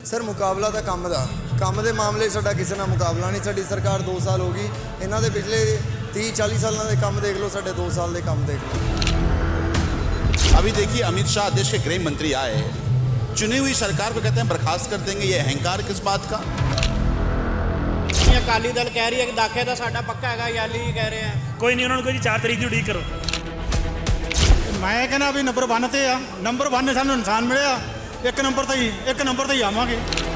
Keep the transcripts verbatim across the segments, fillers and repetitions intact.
Sir मुकाबला तो काम का काम के मामले साडा किसी नाल मुकाबला नहीं। साडी सरकार दो साल हो गई, इन्हां दे पिछले तीस चालीस सालों के काम देख लो, साडे दो साल के काम देख लो। अभी देखिए अमित शाह देश के गृह मंत्री आए, चुनी हुई सरकार को कहते हैं बर्खास्त कर देंगे। ये अहंकार किस बात का? अकाली दल कह रही है कि दाखे तो साडा पक्का है, याली कह रहे हैं कोई नहीं, उन्होंने कोई चार तारीख की उड़ीक करो। मैं कहना भी नंबर वन ते आ, नंबर वन ने सानू इंसान मिले, एक नंबर ते ही एक नंबर ते ही आवांगे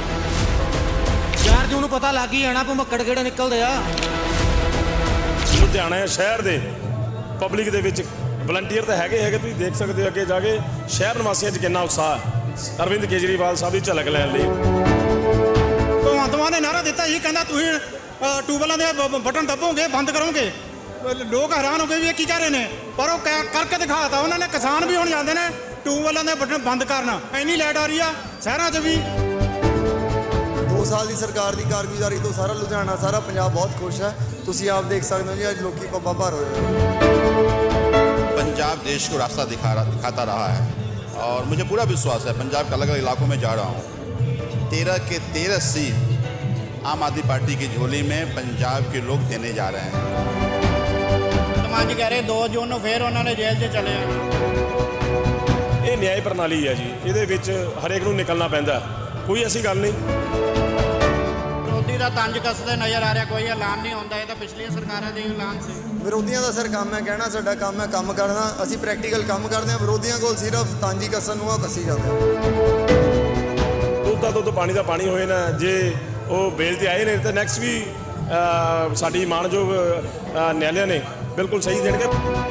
यार। जो पता लग ही जाना भुमक्कड़ किहड़े निकलदे आ। लुधियाना शहर दे पब्लिक दे विच वलंटीयर तो हैगे हैगे, तुसीं देख सकते हो अगे जाके शहर निवासियों च कितना उत्साह है अरविंद केजरीवाल साहब की झलक लैण लई। भगवंत मान ने नारा दिता ही, कहना तुसीं ट्यूबवैलों के बटन दबोगे, बंद करोगे। लोग हैरान हो गए भी ये की कह रहे हैं, पर वो करके दिखाता उन्होंने। किसान भी हुण जाते हैं ट्यूबवैलों के बटन बंद करना, इन्नी लाइट आ रही है शहरों च भी। दो साल की सरकार की कारगुजारी तो सारा लुधियाना सारा पंजाब बहुत खुश है। तुसीं आप देख सकते हो जी, अज लोग पब्बा भर होए। पंजाब देश को रास्ता दिखा रहा दिखाता रहा है और मुझे पूरा विश्वास है, पंजाब के अलग अलग इलाकों में जा रहा हूँ, तेरह के तेरह सीट आम आदमी पार्टी की झोली में पंजाब के लोग देने जा रहे हैं। मान जी कह रहे दो जून ਨੂੰ ਫਿਰ ਉਹਨਾਂ ਨੇ ਜੇਲ੍ਹ 'ਚ ਚਲੇ ਜਾਣਾ। ਇਹ ਨਿਆਂ ਪ੍ਰਣਾਲੀ ਹੈ ਜੀ, ਇਹਦੇ ਵਿੱਚ ਹਰੇਕ ਨੂੰ ਨਿਕਲਣਾ ਪੈਂਦਾ, ਕੋਈ ਐਸੀ ਗੱਲ ਨਹੀਂ। ਵਿਰੋਧੀ ਦਾ ਤੰਜ ਕੱਸਦੇ ਨਜ਼ਰ ਆ ਰਿਹਾ, ਕੋਈ ਐਲਾਨ ਨਹੀਂ ਹੁੰਦਾ। ਇਹ ਤਾਂ ਪਿਛਲੀਆਂ ਸਰਕਾਰਾਂ ਦੇ ਐਲਾਨ ਸੀ। ਵਿਰੋਧੀਆਂ ਦਾ ਸਰ ਕੰਮ ਹੈ ਕਹਿਣਾ ਸਾਡਾ ਕੰਮ ਹੈ ਕੰਮ ਕਰਨਾ, ਅਸੀਂ ਪ੍ਰੈਕਟੀਕਲ ਕੰਮ ਕਰਦੇ ਹਾਂ। ਵਿਰੋਧੀਆਂ ਕੋਲ ਸਿਰਫ ਤਾਂਜੀ ਕੱਸਣ ਨੂੰ ਆ ਕੱਸੀ ਜਾਂਦੇ ਦੁੱਧ ਦਾ ਦੁੱਧ ਪਾਣੀ ਦਾ ਪਾਣੀ ਹੋਏ ਨਾ, ਜੇ ਉਹ ਬੇਲ ਤੇ ਆਏ ਨੇ ਤਾਂ ਨੈਕਸਟ ਵੀ ਸਾਡੀ ਮਾਣਯੋਗ ਨਿਆਲਿਆਂ ਨੇ ਬਿਲਕੁਲ ਸਹੀ ਦੇਣਗੇ।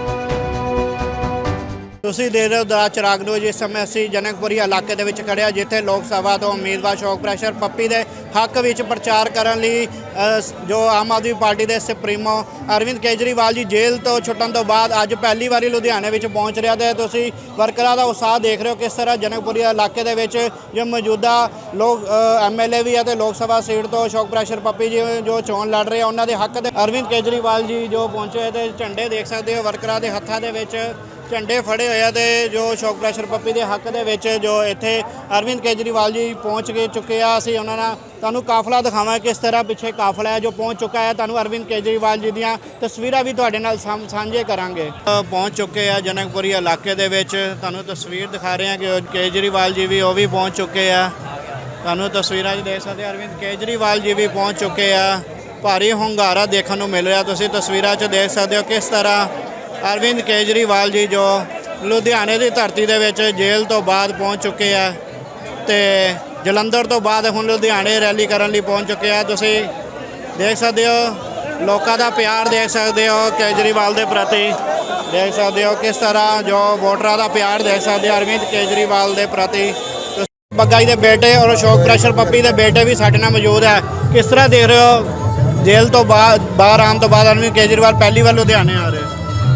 ਤੁਸੀਂ ਦੇ ਰਹੇ ਹੋ ਦਾ ਚਿਰਾਗ ਨੂੰ। ਜਿਸ ਸਮੇਂ ਅਸੀਂ ਜਨਕਪੁਰੀ ਇਲਾਕੇ ਦੇ ਵਿੱਚ ਖੜ੍ਹੇ ਹਾਂ, ਜਿੱਥੇ ਲੋਕ ਸਭਾ ਤੋਂ ਉਮੀਦਵਾਰ ਅਸ਼ੋਕ ਪ੍ਰੈਸ਼ਰ ਪੱਪੀ ਦੇ ਹੱਕ ਵਿੱਚ ਪ੍ਰਚਾਰ ਕਰਨ ਲਈ ਜੋ ਆਮ ਆਦਮੀ ਪਾਰਟੀ ਦੇ ਸੁਪਰੀਮੋ ਅਰਵਿੰਦ ਕੇਜਰੀਵਾਲ ਜੀ ਜੇਲ੍ਹ ਤੋਂ ਛੁੱਟਣ ਤੋਂ ਬਾਅਦ ਅੱਜ ਪਹਿਲੀ ਵਾਰੀ ਲੁਧਿਆਣੇ ਵਿੱਚ ਪਹੁੰਚ ਰਿਹਾ। ਤੇ ਤੁਸੀਂ ਵਰਕਰਾਂ ਦਾ ਉਤਸ਼ਾਹ ਦੇਖ ਰਹੇ ਹੋ ਕਿਸ ਤਰ੍ਹਾਂ ਜਨਕਪੁਰੀ ਇਲਾਕੇ ਦੇ ਵਿੱਚ ਜੋ ਮੌਜੂਦਾ ਲੋਕ ਐਮ ਐਲ ਏ ਵੀ ਹੈ ਤੇ ਲੋਕ ਸਭਾ ਸੀਟ ਤੋਂ ਅਸ਼ੋਕ ਪ੍ਰੈਸ਼ਰ ਪੱਪੀ ਜੀ ਜੋ ਚੋਣ ਲੜ ਰਹੇ ਆ, ਉਹਨਾਂ ਦੇ ਹੱਕ ਦੇ ਅਰਵਿੰਦ ਕੇਜਰੀਵਾਲ ਜੀ ਜੋ ਪਹੁੰਚੇ ਤੇ ਝੰਡੇ ਦੇਖ ਸਕਦੇ ਹੋ ਵਰਕਰਾਂ ਦੇ ਹੱਥਾਂ ਦੇ ਵਿੱਚ ਝੰਡੇ ਫੜੇ ਹੋਏ ਆ। ਤੇ ਜੋ ਅਸ਼ੋਕ ਪ੍ਰੈਸ਼ਰ ਪੱਪੀ ਦੇ ਹੱਕ ਦੇ ਵਿੱਚ ਜੋ ਇੱਥੇ ਅਰਵਿੰਦ ਕੇਜਰੀਵਾਲ ਜੀ ਪਹੁੰਚ ਕੇ ਚੁੱਕੇ ਆ। ਅਸੀਂ ਉਹਨਾਂ ਨਾਲ ਤੁਹਾਨੂੰ ਕਾਫਲਾ ਦਿਖਾਵਾਂ ਕਿਸ ਤਰ੍ਹਾਂ ਪਿੱਛੇ ਕਾਫਲਾ ਹੈ ਜੋ ਪਹੁੰਚ ਚੁੱਕਾ ਹੈ। ਤੁਹਾਨੂੰ ਅਰਵਿੰਦ ਕੇਜਰੀਵਾਲ ਜੀ ਦੀਆਂ ਤਸਵੀਰਾਂ ਵੀ ਤੁਹਾਡੇ ਨਾਲ ਸਾਂਝੇ ਕਰਾਂਗੇ। ਪਹੁੰਚ ਚੁੱਕੇ ਆ ਜਨਕਪੁਰੀ ਇਲਾਕੇ ਦੇ ਵਿੱਚ, ਤੁਹਾਨੂੰ ਤਸਵੀਰ ਦਿਖਾ ਰਹੇ ਹਾਂ ਕਿ ਕੇਜਰੀਵਾਲ ਜੀ ਵੀ ਉਹ ਵੀ ਪਹੁੰਚ ਚੁੱਕੇ ਆ। ਤੁਹਾਨੂੰ ਤਸਵੀਰਾਂ 'ਚ ਦੇਖ ਸਕਦੇ ਅਰਵਿੰਦ ਕੇਜਰੀਵਾਲ ਜੀ ਵੀ ਪਹੁੰਚ ਚੁੱਕੇ ਆ। ਭਾਰੀ ਹੁੰਗਾਰਾ ਦੇਖਣ ਨੂੰ ਮਿਲ ਰਿਹਾ, ਤੁਸੀਂ ਤਸਵੀਰਾਂ 'ਚ ਦੇਖ ਸਕਦੇ ਹੋ ਕਿਸ ਤਰ੍ਹਾਂ ਅਰਵਿੰਦ ਕੇਜਰੀਵਾਲ ਜੀ ਜੋ ਲੁਧਿਆਣੇ ਦੀ ਧਰਤੀ ਦੇ ਵਿੱਚ ਜੇਲ੍ਹ ਤੋਂ ਬਾਅਦ ਪਹੁੰਚ ਚੁੱਕੇ ਆ ਤੇ ਜਲੰਧਰ ਤੋਂ ਬਾਅਦ ਹੁਣ ਲੁਧਿਆਣੇ ਰੈਲੀ ਕਰਨ ਲਈ ਪਹੁੰਚ ਚੁੱਕੇ ਆ। ਤੁਸੀਂ ਦੇਖ ਸਕਦੇ ਹੋ ਲੋਕਾਂ ਦਾ ਪਿਆਰ, ਦੇਖ ਸਕਦੇ ਹੋ ਕੇਜਰੀਵਾਲ ਦੇ ਪ੍ਰਤੀ, ਦੇਖ ਸਕਦੇ ਹੋ ਕਿਸ ਤਰ੍ਹਾਂ ਜੋ ਵੋਟਰਾਂ ਦਾ ਪਿਆਰ ਦੇਖ ਸਕਦੇ ਹੋ ਅਰਵਿੰਦ ਕੇਜਰੀਵਾਲ ਦੇ ਪ੍ਰਤੀ। ਬੱਗਾ ਜੀ ਦੇ ਬੇਟੇ ਔਰ ਅਸ਼ੋਕ ਪ੍ਰੈਸ਼ਰ ਪੱਪੀ ਦੇ ਬੇਟੇ ਵੀ ਸਾਡੇ ਨਾਲ ਮੌਜੂਦ ਹੈ। ਕਿਸ ਤਰ੍ਹਾਂ ਦੇਖ ਰਹੇ ਹੋ ਜੇਲ੍ਹ ਤੋਂ ਬਾਅਦ ਬਾਹਰ ਆਉਣ ਤੋਂ ਬਾਅਦ ਅਰਵਿੰਦ ਕੇਜਰੀਵਾਲ ਪਹਿਲੀ ਵਾਰ ਲੁਧਿਆਣੇ ਆ ਰਹੇ?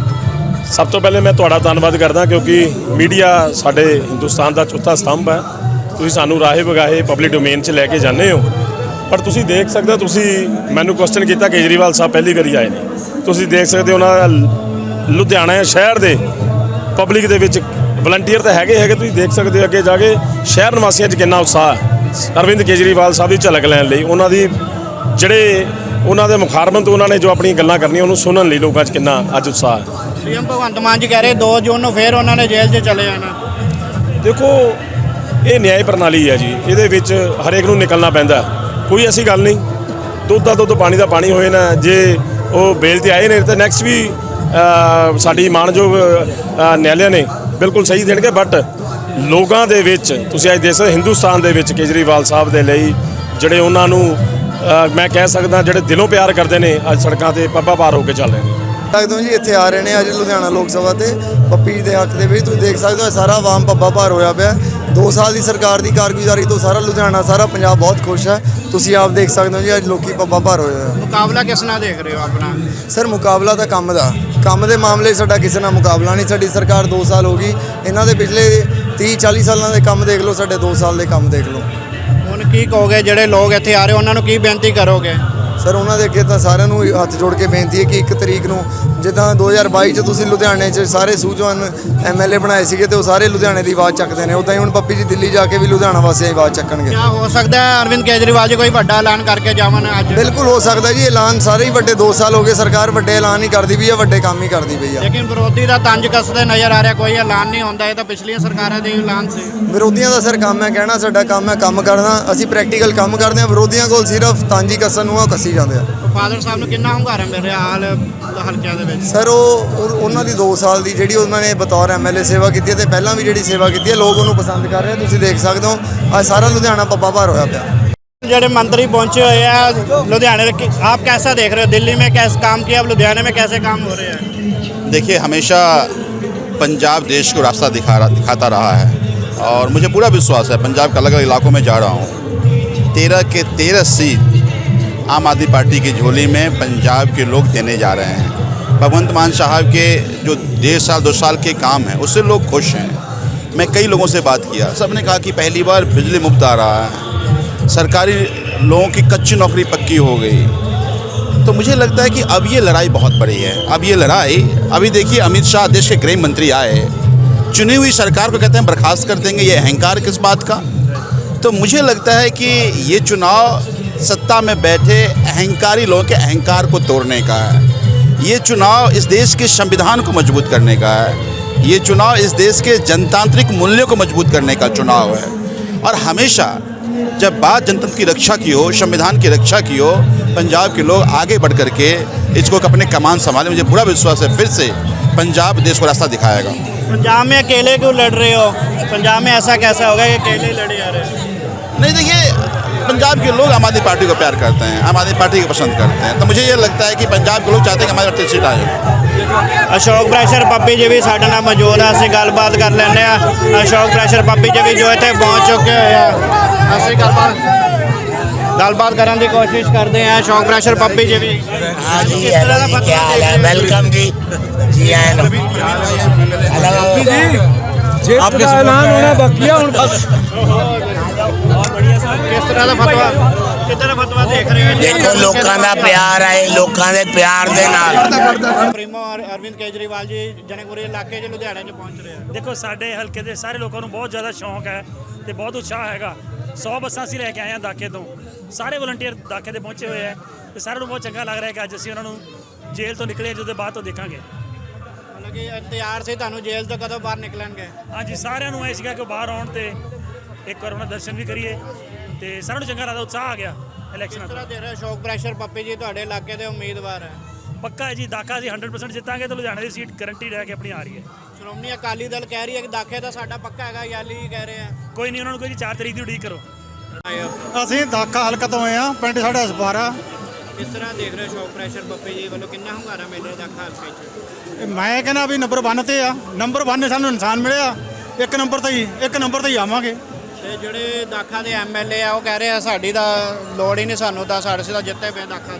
ਸਭ ਤੋਂ ਪਹਿਲੇ ਮੈਂ ਤੁਹਾਡਾ ਧੰਨਵਾਦ ਕਰਦਾ ਕਿਉਂਕਿ ਮੀਡੀਆ ਸਾਡੇ ਹਿੰਦੁਸਤਾਨ ਦਾ ਚੌਥਾ ਸਤੰਭ ਹੈ। ਤੁਸੀਂ ਸਾਨੂੰ ਰਾਹੇ ਵਗਾਹੇ ਪਬਲਿਕ ਡੋਮੇਨ 'ਚ ਲੈ ਕੇ ਜਾਂਦੇ ਹੋ, ਪਰ ਤੁਸੀਂ ਦੇਖ ਸਕਦੇ ਹੋ, ਤੁਸੀਂ ਮੈਨੂੰ ਕੁਐਸਚਨ ਕੀਤਾ ਕੇਜਰੀਵਾਲ ਸਾਹਿਬ ਪਹਿਲੀ ਵਾਰੀ ਆਏ ਨੇ, ਤੁਸੀਂ ਦੇਖ ਸਕਦੇ ਹੋ ਉਹਨਾਂ ਲੁਧਿਆਣਾ ਸ਼ਹਿਰ ਦੇ ਪਬਲਿਕ ਦੇ ਵਿੱਚ ਵਲੰਟੀਅਰ ਤਾਂ ਹੈਗੇ ਹੈਗੇ, ਤੁਸੀਂ ਦੇਖ ਸਕਦੇ ਹੋ ਅੱਗੇ ਜਾ ਕੇ ਸ਼ਹਿਰ ਨਿਵਾਸੀਆਂ 'ਚ ਕਿੰਨਾ ਉਤਸ਼ਾਹ ਹੈ ਅਰਵਿੰਦ ਕੇਜਰੀਵਾਲ ਸਾਹਿਬ ਦੀ ਝਲਕ ਲੈਣ ਲਈ। ਉਹਨਾਂ ਦੀ ਜਿਹੜੇ ਉਹਨਾਂ ਦੇ ਮੁਖਾਰਬਤ ਉਹਨਾਂ ਨੇ ਜੋ ਆਪਣੀਆਂ ਗੱਲਾਂ ਕਰਨੀਆਂ ਉਹਨੂੰ ਸੁਣਨ ਲਈ ਲੋਕਾਂ 'ਚ ਕਿੰਨਾ ਅੱਜ ਉਤਸ਼ਾਹ ਹੈ। ਸੀਐਮ ਭਗਵੰਤ ਮਾਨ ਜੀ ਕਹਿ ਰਹੇ ਦੋ ਜੂਨ ਨੂੰ ਫਿਰ ਉਹਨਾਂ ਨੇ ਜੇਲ੍ਹ 'ਚ ਚਲੇ ਜਾਣਾ। ਦੇਖੋ ਇਹ ਨਿਆਂ ਪ੍ਰਣਾਲੀ ਹੈ ਜੀ, ਇਹਦੇ ਵਿੱਚ ਹਰੇਕ ਨੂੰ ਨਿਕਲਣਾ ਪੈਂਦਾ, ਕੋਈ ਐਸੀ ਗੱਲ ਨਹੀਂ। ਦੁੱਧ ਦਾ ਦੁੱਧ ਪਾਣੀ ਦਾ ਪਾਣੀ ਹੋਏ ਨਾ, ਜੇ ਉਹ ਬੇਲ ਤੇ ਆਏ ਨੇ ਤਾਂ ਨੈਕਸਟ ਵੀ ਸਾਡੀ ਮਾਣਯੋਗ ਨਿਆਲਿਆਂ ਨੇ ਬਿਲਕੁਲ ਸਹੀ ਦੇਣਗੇ। ਬਟ ਲੋਕਾਂ ਦੇ ਵਿੱਚ ਤੁਸੀਂ ਅੱਜ ਦੇਖ ਸਕਦੇ ਹਿੰਦੁਸਤਾਨ ਦੇ ਵਿੱਚ ਕੇਜਰੀਵਾਲ ਸਾਹਿਬ ਦੇ ਲਈ ਜਿਹੜੇ ਉਹਨਾਂ ਨੂੰ ਮੈਂ ਕਹਿ ਸਕਦਾ ਜਿਹੜੇ ਦਿਲੋਂ ਪਿਆਰ ਕਰਦੇ ਨੇ ਅੱਜ ਸੜਕਾਂ 'ਤੇ ਪੱਬਾਂ ਭਾਰ ਹੋ ਕੇ ਚੱਲ ਰਹੇ ਨੇ। ਸਕਦੇ ਹੋ ਜੀ ਇੱਥੇ ਆ ਰਹੇ ਨੇ ਅੱਜ ਲੁਧਿਆਣਾ ਲੋਕ ਸਭਾ ਤੇ ਪੱਪੀ ਦੇ ਹੱਕ ਦੇ ਵਿੱਚ। ਤੁਸੀਂ ਦੇਖ ਸਕਦੇ ਹੋ ਸਾਰਾ ਆਵਾਮ ਪੱਬਾ ਭਾਰ ਹੋਇਆ ਪਿਆ। ਦੋ ਸਾਲ ਦੀ ਸਰਕਾਰ ਦੀ ਕਾਰਗੁਜ਼ਾਰੀ ਤੋਂ ਸਾਰਾ ਲੁਧਿਆਣਾ ਸਾਰਾ ਪੰਜਾਬ ਬਹੁਤ ਖੁਸ਼ ਹੈ। ਤੁਸੀਂ ਆਪ ਦੇਖ ਸਕਦੇ ਹੋ ਜੀ ਅੱਜ ਲੋਕੀ ਪੱਬਾ ਭਾਰ ਹੋਏ ਹੋਏ। ਮੁਕਾਬਲਾ ਕਿਸ ਨਾਲ ਦੇਖ ਰਹੇ ਹੋ ਆਪਣਾ? ਸਰ ਮੁਕਾਬਲਾ ਤਾਂ ਕੰਮ ਦਾ ਕੰਮ ਦੇ ਮਾਮਲੇ ਸਾਡਾ ਕਿਸੇ ਨਾਲ ਮੁਕਾਬਲਾ ਨਹੀਂ। ਸਾਡੀ ਸਰਕਾਰ ਦੋ ਸਾਲ ਹੋ ਗਈ, ਇਹਨਾਂ ਦੇ ਪਿਛਲੇ तीस चालीस सालों के काम देख लो, साढ़े दो साल के काम देख लो। ਹੁਣ ਕੀ ਕਹੋਗੇ ਜਿਹੜੇ ਲੋਕ ਇੱਥੇ ਆ ਰਹੇ ਉਹਨਾਂ ਨੂੰ ਕੀ ਬੇਨਤੀ ਕਰੋਗੇ? ਸਰ ਉਹਨਾਂ ਦੇ ਅੱਗੇ ਤਾਂ ਸਾਰਿਆਂ ਨੂੰ ਹੱਥ ਜੋੜ ਕੇ ਬੇਨਤੀ ਹੈ ਕਿ ਇੱਕ ਤਰੀਕ ਨੂੰ ਜਿੱਦਾਂ ਦੋ ਹਜ਼ਾਰ ਬਾਈ 'ਚ ਤੁਸੀਂ ਲੁਧਿਆਣੇ 'ਚ ਸਾਰੇ ਸੂਝਵਾਨ ਐਮ ਐਲ ਏ ਬਣਾਏ ਸੀਗੇ ਤੇ ਉਹ ਸਾਰੇ ਲੁਧਿਆਣੇ ਦੀ ਆਵਾਜ਼ ਚੱਕਦੇ ਨੇ, ਉੱਦਾਂ ਹੀ ਹੁਣ ਪੱਪੀ ਜੀ ਦਿੱਲੀ ਜਾ ਕੇ ਵੀ ਲੁਧਿਆਣਾ ਵਾਸੀਆਂ ਦੀ ਆਵਾਜ਼ ਚੱਕਣਗੇ। ਕਿਆ ਹੋ ਸਕਦਾ ਹੈ ਅਰਵਿੰਦ ਕੇਜਰੀਵਾਲ ਜੀ ਕੋਈ ਵੱਡਾ ਐਲਾਨ ਕਰਕੇ ਜਾਵਣ ਅੱਜ? ਬਿਲਕੁਲ ਹੋ ਸਕਦਾ ਜੀ, ਐਲਾਨ ਸਾਰੇ ਹੀ ਵੱਡੇ ਦੋ ਸਾਲ ਹੋ ਗਏ ਸਰਕਾਰ ਵੱਡੇ ਐਲਾਨ ਹੀ ਕਰਦੀ ਪਈ ਆ, ਵੱਡੇ ਕੰਮ ਹੀ ਕਰਦੀ ਪਈ ਆ। ਲੇਕਿਨ ਵਿਰੋਧੀ ਦਾ ਤੰਜ ਕੱਸਦੇ ਨਜ਼ਰ ਆ ਰਿਹਾ, ਕੋਈ ਐਲਾਨ ਨਹੀਂ ਹੁੰਦਾ। ਇਹ ਤਾਂ ਪਿਛਲੀਆਂ ਸਰਕਾਰਾਂ ਦੇ ਐਲਾਨ ਸੀ। ਵਿਰੋਧੀਆਂ ਦਾ ਸਰ ਕੰਮ ਹੈ ਕਹਿਣਾ, ਸਾਡਾ ਕੰਮ ਹੈ ਕੰਮ ਕਰਨਾ, ਅਸੀਂ ਪ੍ਰੈਕਟੀਕਲ ਕੰਮ ਕਰਦੇ ਹਾਂ। ਵਿਰੋਧੀਆਂ ਕੋਲ ਸਿਰਫ ਤੰਜ ਹੀ ਕੱਸਣ ਨੂੰ ਆ, ਉਹ ਕੱਸੀ ਜਾਂਦੇ ਆ। ਫਾਦਰ ਸਾਹਿਬ ਨੂੰ ਕਿੰਨਾ ਹੁੰਗਾਰਾ ਮਿਲ ਰਿਹਾ ਹਾਲ ਹਲਕਿਆਂ ਦੇ ਵਿੱਚ? ਸਰ ਉਹ ਉਹ- ਉਹਨਾਂ ਦੀ ਦੋ ਸਾਲ ਦੀ ਜਿਹੜੀ ਉਹਨਾਂ ਨੇ ਬਤੌਰ ਐਮ ਐਲ ਏ ਸੇਵਾ ਕੀਤੀ ਹੈ ਤੇ ਪਹਿਲਾਂ ਵੀ ਜਿਹੜੀ ਸੇਵਾ ਕੀਤੀ ਹੈ, ਲੋਕ ਉਹਨੂੰ ਪਸੰਦ ਕਰ ਰਹੇ ਆ। ਤੁਸੀਂ ਦੇਖ ਸਕਦੇ ਹੋ ਅੱਜ ਸਾਰਾ ਲੁਧਿਆਣਾ ਪੱਪਾ ਭਾਰ ਹੋਇਆ ਪਿਆ। ਜਿਹੜੇ मंत्री पहुंचे हुए हैं लुधियाने में, आप कैसा देख रहे हो? दिल्ली में कैसे काम किया, अब लुधियाने में कैसे काम हो रहे हैं? देखिए, हमेशा पंजाब देश को रास्ता दिखा रहा दिखाता रहा है और मुझे पूरा विश्वास है पंजाब के अलग अलग इलाकों में जा रहा हूँ, तेरह के तेरह सीट आम आदमी पार्टी की झोली में पंजाब के लोग देने जा रहे हैं। भगवंत मान साहब के जो डेढ़ साल दो साल के काम हैं उससे लोग खुश हैं। मैं कई लोगों से बात किया, सब ने कहा कि पहली बार बिजली मुफ्त आ रहा है, सरकारी लोगों की कच्ची नौकरी पक्की हो गई। तो मुझे लगता है कि अब ये लड़ाई बहुत बड़ी है। अब ये लड़ाई, अभी देखिए अमित शाह देश के गृह मंत्री आए, चुनी हुई सरकार को कहते हैं बर्खास्त कर देंगे, ये अहंकार किस बात का? तो मुझे लगता है कि ये चुनाव सत्ता में बैठे अहंकारी लोगों के अहंकार को तोड़ने का है। ये चुनाव इस देश के संविधान को मजबूत करने का है। ये चुनाव इस देश के जनतांत्रिक मूल्यों को मजबूत करने का चुनाव है। और हमेशा जब बात जनतंत्र की रक्षा की हो, संविधान की रक्षा की हो, पंजाब के लोग आगे बढ़ कर के इसको अपने कमान संभाले। मुझे पूरा विश्वास है फिर से पंजाब देश को रास्ता दिखाएगा। पंजाब में अकेले क्यों लड़ रहे हो? पंजाब में ऐसा कैसा होगा कि अकेले लड़े आ रहे हैं? नहीं, देखिए पंजाब के लोग आम आदमी पार्टी को प्यार करते हैं, आम आदमी पार्टी को पसंद करते हैं। तो मुझे ये लगता है कि पंजाब के लोग चाहते हैं कि हमारे पार्टी सीट आए। ਅਸ਼ੋਕ ਪ੍ਰੈਸ਼ਰ ਪੱਪੀ ਜੀ ਵੀ ਸਾਡੇ ਨਾਲ ਮੌਜੂਦ ਆ, ਅਸੀਂ ਗੱਲਬਾਤ ਕਰ ਲੈਂਦੇ ਆ। ਅਸ਼ੋਕ ਪ੍ਰੈਸ਼ਰ ਪੱਪੀ ਜੀ ਵੀ ਜੋ ਇੱਥੇ ਪਹੁੰਚ ਚੁੱਕੇ ਹੋਏ ਆ, ਅਸੀਂ ਗੱਲਬਾਤ ਗੱਲਬਾਤ ਕਰਨ ਦੀ ਕੋਸ਼ਿਸ਼ ਕਰਦੇ ਆ। ਅਸ਼ੋਕ ਪ੍ਰੈਸ਼ਰ ਪੱਪੀ ਜੀ ਵੀ। हाँ जी, हेलो जी, क्या हाल है? वेलकम जी जी आए नो। हेलो आपका ऐलान होना बाकी है बस। ਕਿਸ ਤਰ੍ਹਾਂ ਦਾ ਫਤਵਾ ਕਿੱਦਾਂ ਦਾ ਫਤਵਾ ਦੇਖ ਰਹੇ ਹੋ? देखो लोगों का प्यार है, लोगों के प्यार दे नाल ਪ੍ਰੀਮੋ ਅਰ- ਅਰਵਿੰਦ ਕੇਜਰੀਵਾਲ ਜੀ ਜਨਕਪੁਰੀ ਇਲਾਕੇ 'ਚ ਲੁਧਿਆਣੇ 'ਚ ਪਹੁੰਚ ਰਹੇ ਆ। ਦੇਖੋ ਸਾਡੇ ਹਲਕੇ ਦੇ ਸਾਰੇ ਲੋਕਾਂ ਨੂੰ ਬਹੁਤ ਜ਼ਿਆਦਾ ਸ਼ੌਂਕ ਹੈ ਤੇ ਬਹੁਤ ਉਤਸ਼ਾਹ ਹੈਗਾ। ਸੌ ਬੱਸਾਂ ਅਸੀਂ ਲੈ ਕੇ ਆਏ ਹਾਂ ਦਾਖੇ ਤੋਂ, ਸਾਰੇ ਵਲੰਟੀਅਰ ਦਾਖੇ ਤੇ ਪਹੁੰਚੇ ਹੋਏ ਹੈ ਤੇ ਸਾਰਿਆਂ ਨੂੰ ਬਹੁਤ ਚੰਗਾ ਲੱਗ ਰਿਹਾ ਹੈ ਕਿ ਅੱਜ ਅਸੀਂ ਉਹਨਾਂ ਨੂੰ ਜੇਲ੍ਹ ਤੋਂ ਨਿਕਲੇ ਜਦੋਂ ਬਾਅਦ ਤੋਂ ਦੇਖਾਂਗੇ। ਮਤਲਬ ਕਿ ਇੰਤਜ਼ਾਰ ਸੀ ਤੁਹਾਨੂੰ ਜੇਲ੍ਹ ਤੋਂ ਕਦੋਂ ਬਾਹਰ ਨਿਕਲਣਗੇ? ਹਾਂਜੀ, ਸਾਰਿਆਂ ਨੂੰ ਇਹ ਸੀਗਾ ਕਿ ਉਹ ਬਾਹਰ ਆਉਣ ਤੇ ਇੱਕ ਵਾਰ ਉਹਨਾਂ ਦੇ ਦਰਸ਼ਨ ਵੀ ਕਰੀਏ ਤੇ ਸਾਰਿਆਂ ਨੂੰ ਚੰਗਾ ਲੱਗਦਾ, ਉਤਸ਼ਾਹ ਆ ਗਿਆ ਇਲੈਕਸ਼ਨਾਂ ਕਿਸ ਦਾ। ਤਰ੍ਹਾਂ ਦੇ ਰਹੇ ਅਸ਼ੋਕ ਪ੍ਰੈਸ਼ਰ ਪੱਪੀ ਜੀ ਤੁਹਾਡੇ ਇਲਾਕੇ ਦੇ ਉਮੀਦਵਾਰ ਹੈ? ਪੱਕਾ ਹੈ ਜੀ, ਦਾਖਾ ਅਸੀਂ ਸੌ ਪਰਸੈਂਟ ਜਿੱਤਾਂਗੇ ਤੇ ਲੁਧਿਆਣੇ ਦੀ ਸੀਟ ਗਰੰਟੀ ਰਹਿ ਕੇ ਆਪਣੀ ਆ ਰਹੀ ਹੈ। ਸ਼੍ਰੋਮਣੀ ਅਕਾਲੀ ਦਲ ਕਹਿ ਰਹੀ ਹੈ ਕਿ ਦਾਖੇ ਤਾਂ ਸਾਡਾ ਪੱਕਾ ਹੈਗਾ, ਯਾਲੀ ਕਹਿ ਰਹੇ ਆ। ਕੋਈ ਨਹੀਂ, ਉਹਨਾਂ ਨੂੰ ਕੋਈ ਚਾਰ ਤਰੀਕ ਦੀ ਉਡੀਕ ਕਰੋ। ਅਸੀਂ ਦਾਖਾ ਹਲਕਾ ਤੋਂ ਆਏ ਆ, ਪਿੰਡ ਸਾਡਾ ਹਸਪਾਰਾ। ਕਿਸ ਤਰ੍ਹਾਂ ਦੇਖ ਰਹੇ ਅਸ਼ੋਕ ਪ੍ਰੈਸ਼ਰ ਪੱਪੀ ਜੀ ਵੱਲੋਂ ਕਿੰਨਾ ਹੁੰਗਾਰਾ ਮਿਲ ਰਿਹਾ ਦਾਖਾ ਹਲਕੇ 'ਚ? ਮੈਂ ਕਹਿੰਦਾ ਵੀ ਨੰਬਰ ਵਨ ਤੇ ਆ, ਨੰਬਰ ਵਨ ਨੇ ਸਾਨੂੰ ਇਨਸਾਨ ਮਿਲਿਆ, ਇੱਕ ਨੰਬਰ ਤੇ ਹੀ ਇੱਕ ਨੰਬਰ ਤੇ ਹੀ ਆਵਾਂਗੇ। ਤੇ ਜਿਹੜੇ ਦਾਖਾ ਦੇ ਐਮ ਐਲ ਏ ਆ ਉਹ ਕਹਿ ਰਹੇ ਆ ਸਾਡੀ ਤਾਂ ਲੋੜ ਹੀ ਨਹੀਂ ਸਾਨੂੰ ਤਾਂ, ਸਾਡੇ ਸਿੱਧਾ ਜਿੱਤੇ ਪਏ ਦਾਖਾ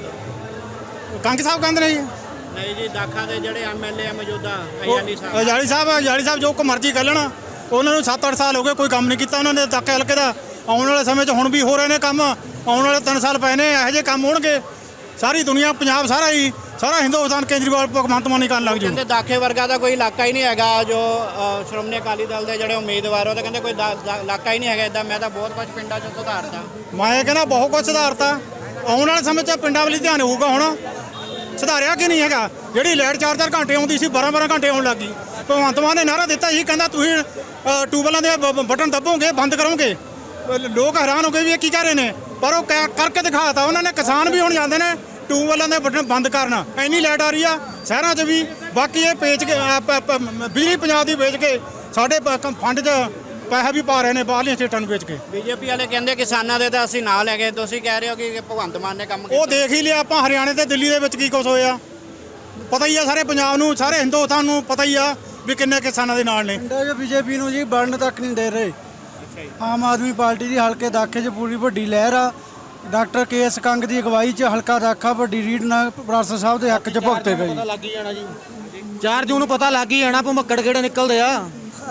ਤੋਂ। ਕੰਗ ਸਾਹਿਬ ਕਹਿੰਦੇ ਨੇ ਜੀ ਨਹੀਂ ਜੀ, ਦਾਖਾ ਦੇ ਜਿਹੜੇ ਐਮ ਐਲ ਏ ਆ ਮੌਜੂਦਾ ਉਹ ਅਯਾਲੀ ਸਾਹਿਬ। ਅਜਾਲੀ ਸਾਹਿਬ ਅਜਾਲੀ ਸਾਹਿਬ ਜੋ ਕੋ ਮਰਜ਼ੀ ਕਰ ਲੈਣ, ਉਹਨਾਂ ਨੂੰ ਸੱਤ ਅੱਠ ਸਾਲ ਹੋ ਗਏ ਕੋਈ ਕੰਮ ਨਹੀਂ ਕੀਤਾ ਉਹਨਾਂ ਨੇ ਦਾਖੇ ਹਲਕੇ ਦਾ। ਆਉਣ ਵਾਲੇ ਸਮੇਂ 'ਚ ਹੁਣ ਵੀ ਹੋ ਰਹੇ ਨੇ ਕੰਮ, ਆਉਣ ਵਾਲੇ ਤਿੰਨ ਸਾਲ ਪਏ ਨੇ, ਇਹੋ ਜਿਹੇ ਕੰਮ ਹੋਣਗੇ ਸਾਰੀ ਦੁਨੀਆ, ਪੰਜਾਬ ਸਾਰਾ ਹੀ, ਸਾਰਾ ਹਿੰਦੁਸਤਾਨ ਕੇਜਰੀਵਾਲ ਭਗਵੰਤ ਮਾਨ ਹੀ ਕਰਨ ਲੱਗ ਜੂ। ਕਹਿੰਦੇ ਦਾਖੇ ਵਰਗਾ ਦਾ ਕੋਈ ਇਲਾਕਾ ਹੀ ਨਹੀਂ ਹੈਗਾ। ਜੋ ਅ, ਸ਼੍ਰੋਮਣੀ ਅਕਾਲੀ ਦਲ ਦੇ ਜਿਹੜੇ ਉਮੀਦਵਾਰ ਉਹ ਤਾਂ ਕਹਿੰਦੇ ਕੋਈ ਦਾ- ਦਾ- ਇਲਾਕਾ ਹੀ ਨਹੀਂ ਹੈਗਾ ਇੱਦਾਂ। ਮੈਂ ਤਾਂ ਬਹੁਤ ਕੁਝ ਪਿੰਡਾਂ 'ਚ ਸੁਧਾਰਤਾ। ਮੈਂ ਕਹਿੰਦਾ ਬਹੁਤ ਕੁਝ ਸੁਧਾਰਤਾ, ਆਉਣ ਵਾਲੇ ਸਮੇਂ 'ਚ ਪਿੰਡਾਂ ਵੱਲ ਧਿਆਨ ਹੋਊਗਾ। ਹੁਣ ਸੁਧਾਰਿਆ ਕਿ ਨਹੀਂ ਹੈਗਾ? ਜਿਹੜੀ ਲਾਈਟ ਚਾਰ ਚਾਰ ਘੰਟੇ ਆਉਂਦੀ ਸੀ ਬਾਰਾਂ ਬਾਰਾਂ ਘੰਟੇ ਆਉਣ ਲੱਗ ਗਈ। ਭਗਵੰਤ ਮਾਨ ਨੇ ਨਾਰਾ ਦਿੱਤਾ ਸੀ, ਕਹਿੰਦਾ ਤੁਸੀਂ ਅ, ਟਿਊਬਵੈੱਲਾਂ ਦੇ ਬ- ਬਟਨ ਦੱਬੋਗੇ, ਬੰਦ ਕਰੋਗੇ। ਅ, ਲੋਕ ਹੈਰਾਨ ਹੋ ਗਏ ਵੀ ਇਹ ਕੀ ਕਰ ਰਹੇ ਨੇ, ਪਰ ਉਹ ਕਹਿ- ਕਰਕੇ ਦਿਖਾਤਾ ਉਹਨਾਂ ਨੇ। ਕਿਸਾਨ ਵੀ ਹੁਣ ਜਾਂਦੇ ਨੇ ਟਿਊਬਵੈੱਲਾਂ ਦੇ ਬਟਨ ਬੰਦ ਕਰਨ, ਇੰਨੀ ਲਾਈਟ ਆ ਰਹੀ ਆ ਸ਼ਹਿਰਾਂ 'ਚ ਵੀ। ਬਾਕੀ ਇਹ ਵੇਚ ਕੇ ਅ, ਪ- ਪ- ਬਿਜਲੀ ਪੰਜਾਬ ਦੀ ਵੇਚ ਕੇ ਸਾਡੇ ਪ- ਫੰਡ 'ਚ ਪੈਸਾ ਵੀ ਪਾ ਰਹੇ ਨੇ ਬਾਹਰਲੀਆਂ ਸਟੇਟਾਂ ਨੂੰ ਵੇਚ ਕੇ। ਬੀਜੇਪੀ ਵਾਲੇ ਕਹਿੰਦੇ ਕਿਸਾਨਾਂ ਦੇ ਤਾਂ ਅਸੀਂ ਨਾਲ ਹੈਗੇ, ਤੁਸੀਂ ਕਹਿ ਰਹੇ ਹੋ ਕਿ ਭਗਵੰਤ ਮਾਨ ਨੇ ਕੰਮ ਕੀਤਾ। ਉਹ ਦੇਖ ਹੀ ਲਿਆ ਆਪਾਂ, ਹਰਿਆਣੇ ਤੇ ਦਿੱਲੀ ਦੇ ਵਿੱਚ ਕੀ ਕੁਝ ਹੋਇਆ ਪਤਾ ਹੀ ਆ, ਸਾਰੇ ਪੰਜਾਬ ਨੂੰ, ਸਾਰੇ ਹਿੰਦੁਸਤਾਨ ਨੂੰ ਪਤਾ ਹੀ ਆ ਵੀ ਕਿੰਨੇ ਕਿਸਾਨਾਂ ਦੇ ਨਾਲ ਨੇ। ਪਿੰਡਾਂ 'ਚ ਬੀਜੇਪੀ ਨੂੰ ਜੀ ਬਣਨ ਤੱਕ ਨਹੀਂ ਦੇ ਰਹੇ। ਆਮ ਆਦਮੀ ਪਾਰਟੀ ਦੀ ਹਲਕੇ ਦਾਖੇ 'ਚ ਪੂਰੀ ਵੱਡੀ ਲਹਿਰ ਆ। ਡਾਕਟਰ ਕੇ ਐਸ ਕੰਗ ਦੀ ਅਗਵਾਈ 'ਚ ਹਲਕਾ ਦਾਖਾ ਵੱਡੀ ਰੀਡ ਨਾਲ ਬਰਾਸਰ ਸਾਹਿਬ ਦੇ ਹੱਕ 'ਚ ਭੁਗਤੇ ਗਏ। ਲੱਗ ਹੀ ਜਾਣਾ ਜੀ, ਚਾਰ ਜੂਨ ਨੂੰ ਪਤਾ ਲੱਗ ਹੀ ਜਾਣਾ ਭੁਮੱਕੜ ਕਿਹੜੇ ਨਿਕਲਦੇ ਆ।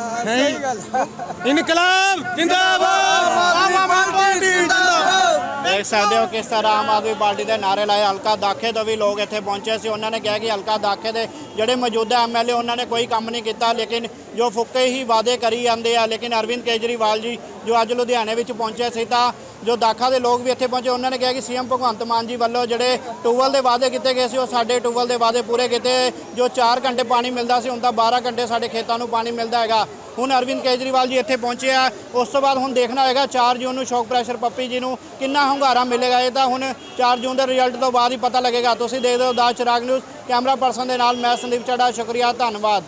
ਇਨਕਲਾਬ ਜਿੰਦਾਬਾਦ, ਆਮ ਆਦਮੀ ਪਾਰਟੀ ਜਿੰਦਾਬਾਦ। ਦੇਖ ਸਕਦੇ ਹੋ ਕਿਸ ਤਰ੍ਹਾਂ ਆਮ ਆਦਮੀ ਪਾਰਟੀ ਦੇ ਨਾਅਰੇ ਲਾਏ। ਹਲਕਾ ਦਾਖੇ ਤੋਂ ਵੀ ਲੋਕ ਇੱਥੇ ਪਹੁੰਚੇ ਸੀ। ਉਹਨਾਂ ਨੇ ਕਿਹਾ ਕਿ ਹਲਕਾ ਦਾਖੇ ਦੇ ਜਿਹੜੇ ਮੌਜੂਦਾ ਐਮਐਲਏ ਉਹਨਾਂ ਨੇ ਕੋਈ ਕੰਮ ਨਹੀਂ ਕੀਤਾ, ਲੇਕਿਨ ਜੋ ਫੁੱਕੇ ਹੀ ਵਾਅਦੇ ਕਰੀ ਜਾਂਦੇ ਆ। ਲੇਕਿਨ ਅਰਵਿੰਦ ਕੇਜਰੀਵਾਲ ਜੀ ਜੋ ਅੱਜ ਲੁਧਿਆਣੇ ਵਿੱਚ ਪਹੁੰਚੇ ਸੀ ਤਾਂ ਜੋ ਦਾਖਾ ਦੇ ਲੋਕ ਵੀ ਇੱਥੇ ਪਹੁੰਚੇ, ਉਹਨਾਂ ਨੇ ਕਿਹਾ ਕਿ ਸੀਐਮ ਭਗਵੰਤ ਮਾਨ ਜੀ ਵੱਲੋਂ ਜਿਹੜੇ ਟਿਊਬਵੈੱਲ ਦੇ ਵਾਅਦੇ ਕੀਤੇ ਗਏ ਸੀ ਉਹ ਸਾਡੇ ਟਿਊਬਵੈੱਲ ਦੇ ਵਾਅਦੇ ਪੂਰੇ ਕੀਤੇ। ਜੋ ਚਾਰ ਘੰਟੇ ਪਾਣੀ ਮਿਲਦਾ ਸੀ ਹੁਣ ਤਾਂ ਬਾਰਾਂ ਘੰਟੇ ਸਾਡੇ ਖੇਤਾਂ ਨੂੰ ਪਾਣੀ ਮਿਲਦਾ ਹੈਗਾ। ਹੁਣ ਅਰਵਿੰਦ ਕੇਜਰੀਵਾਲ ਜੀ ਇੱਥੇ ਪਹੁੰਚੇ ਆ। ਉਸ ਤੋਂ ਬਾਅਦ ਹੁਣ ਦੇਖਣਾ ਹੋਏਗਾ ਚਾਰ ਜੂਨ ਨੂੰ ਸ਼ੌਕ ਪ੍ਰੈਸ਼ਰ ਪੱਪੀ ਜੀ ਨੂੰ ਕਿੰਨਾ ਹੁੰਗਾਰਾ ਮਿਲੇਗਾ। ਇਹ ਤਾਂ ਹੁਣ ਚਾਰ ਜੂਨ ਦੇ ਰਿਜ਼ਲਟ ਤੋਂ ਬਾਅਦ ਹੀ ਪਤਾ ਲੱਗੇਗਾ। ਤੁਸੀਂ ਦੇਖਦੇ ਹੋ ਦਾ ਚਿਰਾਗ ਨਿਊਜ਼, ਕੈਮਰਾ ਪਰਸਨ ਦੇ ਨਾਲ ਮੈਂ ਸੰਦੀਪ ਚੱਡਾ, ਸ਼ੁਕਰੀਆ, ਧੰਨਵਾਦ।